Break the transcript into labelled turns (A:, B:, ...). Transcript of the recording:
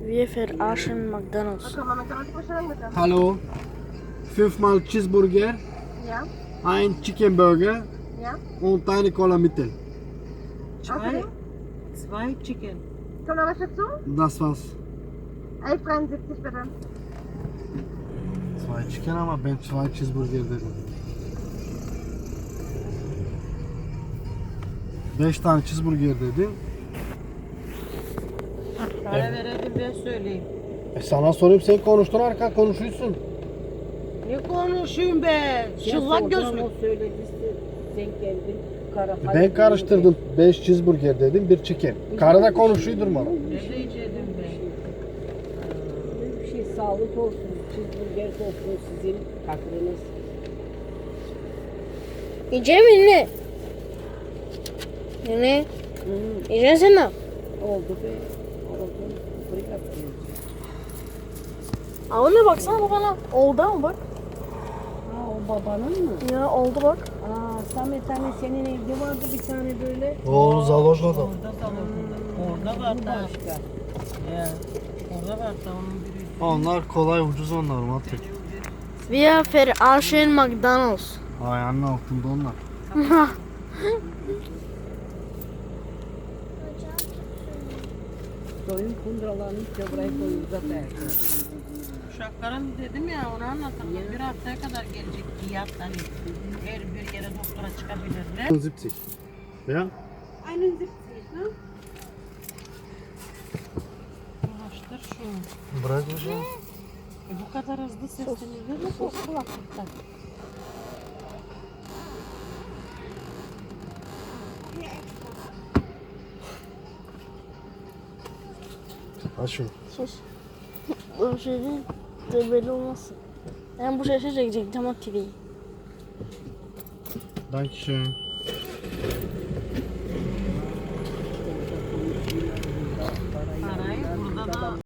A: Wir verarschen McDonald's.
B: Hallo. 5-mal Cheeseburger,
C: Ja,
B: ein Chicken Burger
C: ja.
B: und eine Cola Mittel.
D: Zwei Chicken.
C: Kommt noch was dazu?
B: Das war's.
C: 11,73 bitte.
B: 2 Chicken ama ben 2 Cheeseburger dedim. 5 tane cheeseburger dedim.
D: Para verelim ben söyleyeyim.
B: Sana sorayım, sen konuştun, arka konuşuyorsun.
D: Ne konuşayım be? Çıllak gözlü.
E: O söyledi sen geldin.
B: Ben karıştırdım. 5 cheeseburger dedim, 1 chicken. Karı da konuşuyor durmadan.
D: Ne diyeceğim ben?
E: Bir şey sağlık olsun. Cheeseburger olsun sizin hakkınız.
A: Yiyeceğim mi ne? Ne? Yiyeceksin sen ne?
E: Oldu be. Oldu. Buraya yapıyoruz.
A: Aa, ona baksana babana. Oldu ama bak.
E: Ha o babanın mı?
A: Ya oldu bak.
E: Aa Samet hani senin evde vardı bir tane böyle.
B: O Zalojna'da.
D: Orada orada var
E: Bu
D: da.
E: başka.
D: Ya. Orada var da onun biri.
B: Onlar kolay, ucuz onlar Matrik.
A: Wir verarschen McDonald's.
B: Ayağının altında onlar.
E: Soyun kundralarını işte buraya koyuyoruz zaten.
D: Uşakların dedim ya onu anlatalım. Bir haftaya kadar gelecek fiyat hani her bir yere doktora çıkabilirler.
B: 70. Ya?
C: 71, ne?
D: Ulaştır şunu.
B: Bırak hocam.
D: Bu kadar hızlı seslenilir mi bu kulaklıkta?
B: Aç şunu.
A: Sus. Bu şey değil. De belli olmasın. Ben bu sesi çekecektim ama TV'yi.
B: Dankeschön.